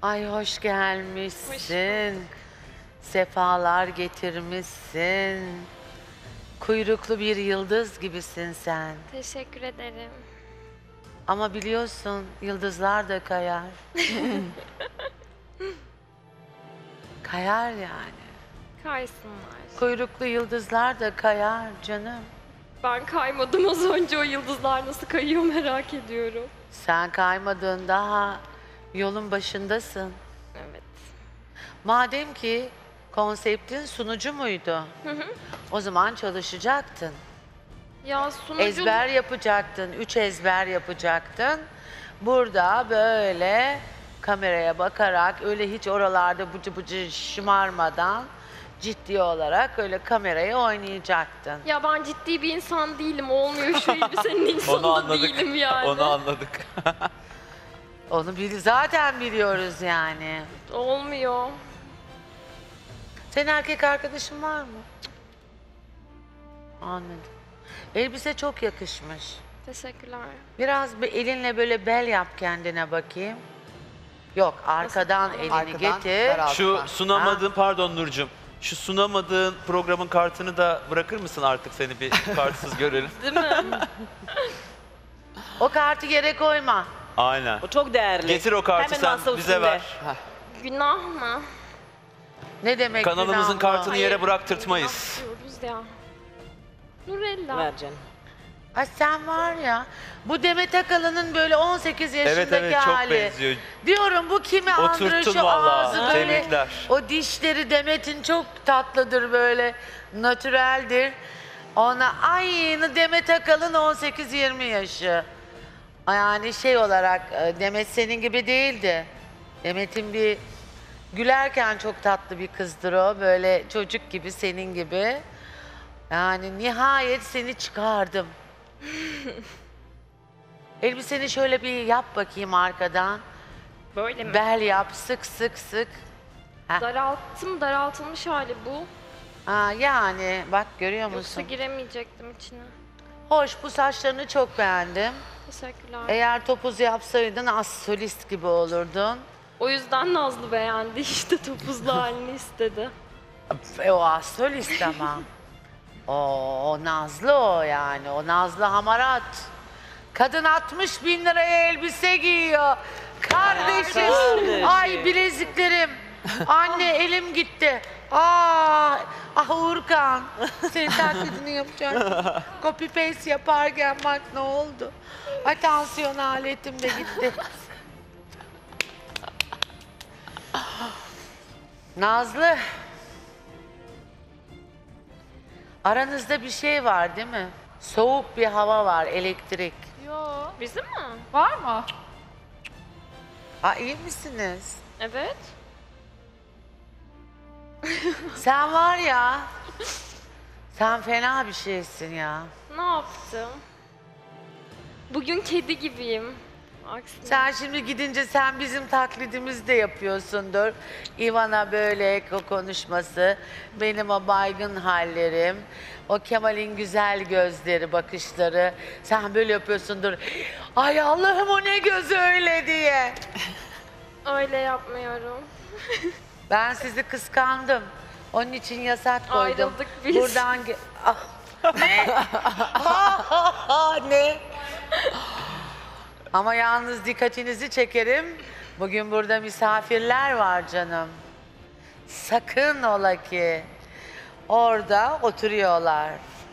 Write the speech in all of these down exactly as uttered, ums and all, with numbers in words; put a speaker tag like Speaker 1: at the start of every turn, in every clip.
Speaker 1: Ay hoş gelmişsin.
Speaker 2: Hoş
Speaker 1: Sefalar getirmişsin. Kuyruklu bir yıldız gibisin sen.
Speaker 2: Teşekkür ederim.
Speaker 1: Ama biliyorsun yıldızlar da kayar. Kayar yani.
Speaker 2: Kaysınlar.
Speaker 1: Kuyruklu yıldızlar da kayar canım.
Speaker 2: Ben kaymadım az önce, o yıldızlar nasıl kayıyor merak ediyorum.
Speaker 1: Sen kaymadın, daha yolun başındasın.
Speaker 2: Evet.
Speaker 1: Madem ki konseptin sunucu muydu? O zaman çalışacaktın.
Speaker 2: Ya sunucu...
Speaker 1: Ezber yapacaktın, üç ezber yapacaktın. Burada böyle kameraya bakarak, öyle hiç oralarda bıcı bıcı şımarmadan ciddi olarak öyle kameraya oynayacaktın.
Speaker 2: Ya ben ciddi bir insan değilim, olmuyor şu elbisenin insanı
Speaker 3: Onu
Speaker 2: da
Speaker 3: anladık.
Speaker 2: değilim yani.
Speaker 3: Onu anladık.
Speaker 1: Onu bil zaten biliyoruz yani.
Speaker 2: Olmuyor.
Speaker 1: Senin erkek arkadaşın var mı? Anladım. Elbise çok yakışmış.
Speaker 2: Teşekkürler.
Speaker 1: Biraz bir elinle böyle bel yap kendine bakayım. Yok, arkadan elini
Speaker 4: Arkadan,
Speaker 1: getir.
Speaker 4: daralt.
Speaker 3: Şu
Speaker 4: Alttan.
Speaker 3: sunamadığın, pardon Nurcum. Şu sunamadığın programın kartını da bırakır mısın artık, seni bir kartsız görelim.
Speaker 2: Değil mi?
Speaker 1: O kartı yere koyma.
Speaker 3: Aynen.
Speaker 5: O çok değerli.
Speaker 3: Getir o kartı,
Speaker 5: Hemen
Speaker 3: sen
Speaker 5: masa
Speaker 3: bize
Speaker 5: üstünde.
Speaker 3: ver.
Speaker 2: Günah mı?
Speaker 1: Ne demek
Speaker 3: Kanalımızın
Speaker 1: günah mı?
Speaker 3: kartını yere bıraktırtmayız.
Speaker 2: Günah diyoruz ya. Nurella.
Speaker 5: Ver canım.
Speaker 1: Ay sen var ya, bu Demet Akalın'ın böyle on sekiz yaşındaki
Speaker 3: Evet evet, çok
Speaker 1: hali.
Speaker 3: benziyor.
Speaker 1: Diyorum bu kimi andırıyor,
Speaker 3: Oturttun
Speaker 1: şu
Speaker 3: vallahi.
Speaker 1: ağzı böyle.
Speaker 3: Tebrikler.
Speaker 1: O dişleri Demet'in çok tatlıdır böyle, natüreldir. Ona aynı Demet Akalın on sekiz yirmi yaşı. Yani şey olarak e, Demet senin gibi değildi. Demet'in bir gülerken çok tatlı bir kızdır o. Böyle çocuk gibi, senin gibi. Yani nihayet seni çıkardım. Elbiseni şöyle bir yap bakayım arkadan.
Speaker 2: Böyle mi?
Speaker 1: Bel yap, sık sık sık. Heh.
Speaker 2: Daralttım, daraltılmış hali bu.
Speaker 1: Ha, yani bak görüyor
Speaker 2: Yoksa
Speaker 1: musun?
Speaker 2: giremeyecektim içine.
Speaker 1: Hoş, bu saçlarını çok beğendim.
Speaker 2: Teşekkürler.
Speaker 1: Eğer topuz yapsaydın az solist gibi olurdun.
Speaker 2: O yüzden Nazlı beğendi işte, topuzlu halini istedi.
Speaker 1: E, o az solist ama. o, o Nazlı o yani. O Nazlı hamarat. Kadın altmış bin liraya elbise giyiyor. Kardeşim.
Speaker 5: Kardeşim.
Speaker 1: Ay bileziklerim. Anne elim gitti. Aa, ah Uğurkan. Senin taklidini yapacağım. Copy paste yaparken bak ne oldu. Ay tansiyon aletim de gitti. Nazlı. Aranızda bir şey var değil mi? Soğuk bir hava var, elektrik.
Speaker 2: Yo. Bizim mi?
Speaker 6: Var mı?
Speaker 1: Ha iyi misiniz?
Speaker 2: Evet.
Speaker 1: Sen var ya, sen fena bir şeysin ya.
Speaker 2: Ne yaptım? Bugün kedi gibiyim. Aksine.
Speaker 1: Sen şimdi gidince sen bizim taklidimizi de yapıyorsundur. Ivana böyle o konuşması, benim o baygın hallerim, o Kemal'in güzel gözleri, bakışları. Sen böyle yapıyorsundur. Ay Allah'ım o ne göz öyle diye.
Speaker 2: Öyle yapmıyorum.
Speaker 1: Ben sizi kıskandım. Onun için yasak koydum.
Speaker 2: Ayrıldık biz.
Speaker 1: Buradan ge- Ah. Ne? Ne? Ama yalnız dikkatinizi çekerim. Bugün burada misafirler var canım. Sakın ola ki orada oturuyorlar.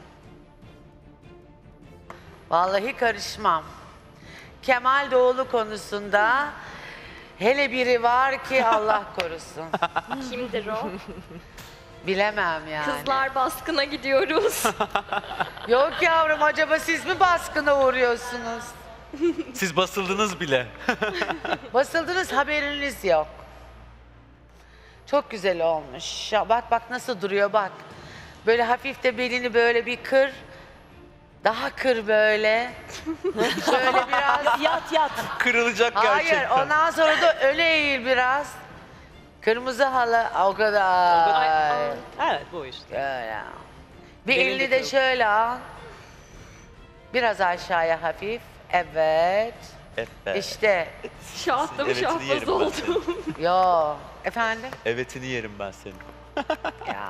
Speaker 1: Vallahi karışmam. Kemal Doğulu konusunda hele biri var ki Allah korusun.
Speaker 2: Kimdir o?
Speaker 1: Bilemem yani.
Speaker 2: Kızlar baskına gidiyoruz.
Speaker 1: Yok yavrum, acaba siz mi baskına uğruyorsunuz?
Speaker 3: Siz basıldınız bile.
Speaker 1: Basıldınız, haberiniz yok. Çok güzel olmuş. Ya bak bak nasıl duruyor bak. Böyle hafif de belini böyle bir kır. Daha kır böyle. Şöyle biraz.
Speaker 5: Yat yat.
Speaker 3: Kırılacak
Speaker 1: Hayır,
Speaker 3: gerçekten.
Speaker 1: ondan sonra da öne eğil biraz. Kırmızı halı o kadar.
Speaker 2: Ay, ay.
Speaker 5: Evet bu işte.
Speaker 1: Böyle. Bir
Speaker 5: Benim
Speaker 1: elini
Speaker 5: de
Speaker 1: de şöyle al. Biraz aşağıya hafif. Evet.
Speaker 3: Evet.
Speaker 1: İşte.
Speaker 2: Şahtım
Speaker 3: Evetini
Speaker 2: şahbaz
Speaker 3: yerim ben
Speaker 2: oldum.
Speaker 1: Yo. Efendim?
Speaker 3: Evetini yerim ben senin.
Speaker 1: Ya.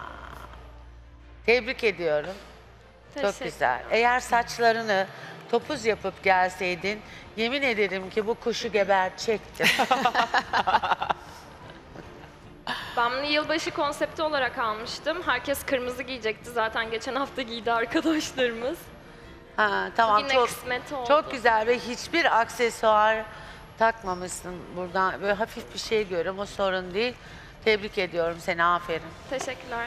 Speaker 1: Tebrik ediyorum. Çok
Speaker 2: Teşekkür.
Speaker 1: güzel. Eğer saçlarını topuz yapıp gelseydin yemin ederim ki bu kuşu gebertecektim.
Speaker 2: Ben bunu yılbaşı konsepti olarak almıştım. Herkes kırmızı giyecekti. Zaten geçen hafta giydi arkadaşlarımız.
Speaker 1: Ha, tamam
Speaker 2: Yine
Speaker 1: çok
Speaker 2: kısmet oldu.
Speaker 1: çok güzel ve hiçbir aksesuar takmamışsın buradan. Böyle hafif bir şey görüyorum o sorun değil. Tebrik ediyorum seni, aferin.
Speaker 2: Teşekkürler.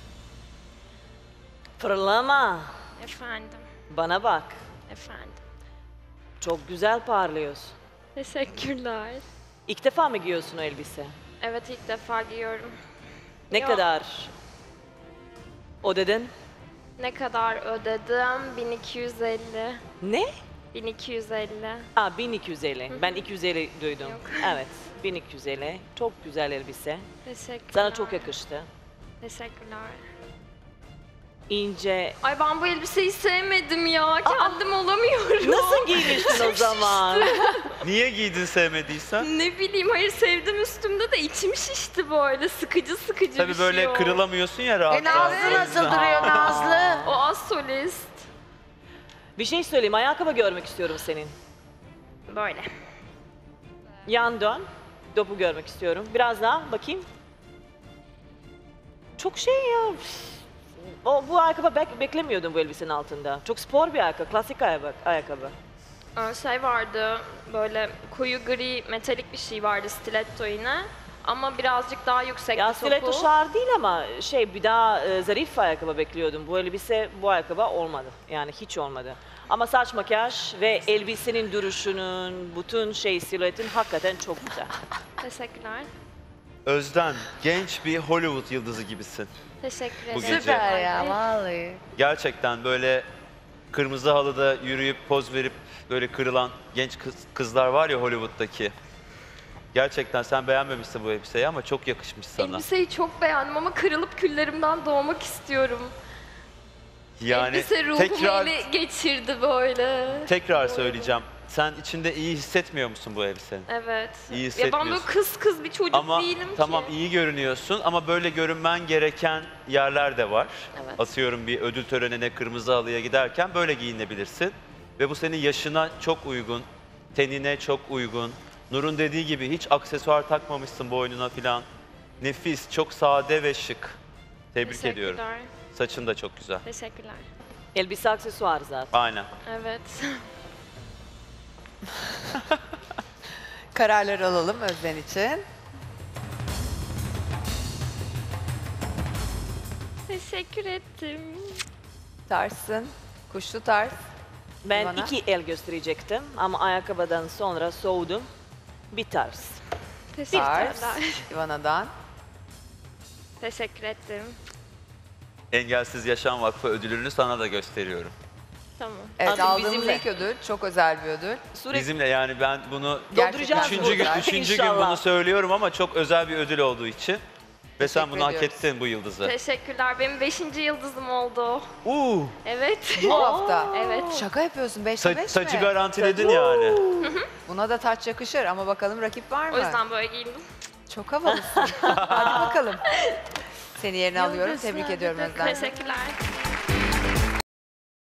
Speaker 4: Fırlama.
Speaker 2: Efendim.
Speaker 4: Bana bak.
Speaker 2: Efendim.
Speaker 4: Çok güzel parlıyorsun.
Speaker 2: Teşekkürler.
Speaker 4: İlk defa mı giyiyorsun o elbise?
Speaker 2: Evet, ilk defa giyiyorum.
Speaker 4: Ne
Speaker 2: Yok.
Speaker 4: kadar o dedin?
Speaker 2: Ne kadar ödedim? bin iki yüz elli.
Speaker 4: Ne?
Speaker 2: bin iki yüz elli.
Speaker 4: Aa bin iki yüz elli. Ben iki yüz elli duydum.
Speaker 2: Yok.
Speaker 4: Evet. bin iki yüz elli. Çok güzel elbise.
Speaker 2: Teşekkürler.
Speaker 4: Sana çok yakıştı.
Speaker 2: Teşekkürler.
Speaker 4: İnce.
Speaker 2: Ay ben bu elbiseyi sevmedim ya. Kendim olamıyorum.
Speaker 4: Nasıl giymiştin o zaman?
Speaker 3: Niye giydin sevmediysen?
Speaker 2: Ne bileyim, hayır sevdim üstümde de içim şişti böyle. Sıkıcı sıkıcı bir
Speaker 3: Tabii
Speaker 2: şey
Speaker 3: böyle
Speaker 2: o.
Speaker 3: kırılamıyorsun ya rahat
Speaker 1: E Nazlı
Speaker 3: rahat.
Speaker 1: nasıl duruyor Nazlı?
Speaker 2: O az solist.
Speaker 4: Bir şey söyleyeyim. Ayakkabı görmek istiyorum senin.
Speaker 2: Böyle.
Speaker 4: Yan dön. Dopu görmek istiyorum. Biraz daha bakayım. Çok şey ya. O, bu ayakkabı bek- beklemiyordum bu elbisenin altında. Çok spor bir ayakkabı, klasik ayakkabı. ayakkabı.
Speaker 2: Ee, Şey vardı, böyle koyu gri metalik bir şey vardı, stiletto yine. Ama birazcık daha yüksek
Speaker 4: Ya
Speaker 2: bir topu.
Speaker 4: stiletto şar değil ama şey bir daha e, zarif ayakkabı bekliyordum. Bu elbise bu ayakkabı olmadı. Yani hiç olmadı. Ama saç makyaj ve elbisenin duruşunun, bütün şey silüetin hakikaten çok güzel.
Speaker 2: Teşekkürler.
Speaker 3: Özden, genç bir Hollywood yıldızı gibisin.
Speaker 2: Teşekkür
Speaker 3: Bu
Speaker 2: ederim.
Speaker 3: gece.
Speaker 1: Süper ya vallahi.
Speaker 3: Gerçekten böyle kırmızı halıda yürüyüp poz verip böyle kırılan genç kız, kızlar var ya Hollywood'daki. Gerçekten sen beğenmemişsin bu elbiseyi ama çok yakışmış sana.
Speaker 2: Elbiseyi çok beğendim ama kırılıp küllerimden doğmak istiyorum.
Speaker 3: Yani
Speaker 2: Elbise ruhumu
Speaker 3: tekrar
Speaker 2: ele geçirdi böyle.
Speaker 3: tekrar söyleyeceğim. Sen içinde iyi hissetmiyor musun bu elbisenin?
Speaker 2: Evet.
Speaker 3: İyi
Speaker 2: Ya ben böyle
Speaker 3: hissetmiyorsun.
Speaker 2: kız kız bir çocuk
Speaker 3: Ama
Speaker 2: değilim
Speaker 3: tamam
Speaker 2: ki.
Speaker 3: iyi görünüyorsun ama böyle görünmen gereken yerler de var.
Speaker 2: Evet.
Speaker 3: Atıyorum bir ödül törenine kırmızı halıya giderken böyle giyinebilirsin. Ve bu senin yaşına çok uygun, tenine çok uygun. Nur'un dediği gibi hiç aksesuar takmamışsın boynuna filan. Nefis, çok sade ve şık. Tebrik ediyorum.
Speaker 2: Teşekkürler.
Speaker 3: Saçın da çok güzel.
Speaker 2: Teşekkürler.
Speaker 4: Elbise aksesuar zaten.
Speaker 3: Aynen.
Speaker 2: Evet.
Speaker 5: Kararları alalım Özden için.
Speaker 2: Teşekkür ettim.
Speaker 5: Tarsın, kuşlu tarz.
Speaker 4: Ben
Speaker 5: Bana.
Speaker 4: iki el gösterecektim ama ayakkabıdan sonra soğudum. Bir tarz.
Speaker 5: Tarz,
Speaker 2: Teşekkürler.
Speaker 5: Ivana'dan.
Speaker 2: Teşekkür ettim.
Speaker 3: Engelsiz Yaşam Vakfı ödülünü sana da gösteriyorum.
Speaker 2: Tamam.
Speaker 5: Evet,
Speaker 4: Artık
Speaker 5: aldığımız
Speaker 4: bizimle.
Speaker 5: ilk ödül. Çok özel bir ödül.
Speaker 4: Sürekli
Speaker 3: Bizimle yani ben bunu
Speaker 5: Gerçekten
Speaker 3: üçüncü gün,
Speaker 5: burada.
Speaker 3: üçüncü gün
Speaker 4: İnşallah.
Speaker 3: bunu söylüyorum ama çok özel bir ödül olduğu için. Ve sen
Speaker 5: Teşekkür
Speaker 3: bunu hak
Speaker 5: ediyoruz.
Speaker 3: ettin bu yıldızı.
Speaker 2: Teşekkürler. Benim beşinci yıldızım oldu.
Speaker 3: Uuu,
Speaker 2: Evet.
Speaker 5: Bu hafta.
Speaker 2: Evet.
Speaker 5: Şaka yapıyorsun. Beşte
Speaker 3: ta-
Speaker 5: beş
Speaker 3: tacı
Speaker 5: mi?
Speaker 3: garantiledin yani.
Speaker 5: Buna da taç yakışır ama bakalım rakip var mı?
Speaker 2: O yüzden böyle giyindim.
Speaker 5: Çok havalısın. Hadi bakalım. Seni yerine alıyorum. Tebrik ediyorum Özlem.
Speaker 2: Teşekkürler.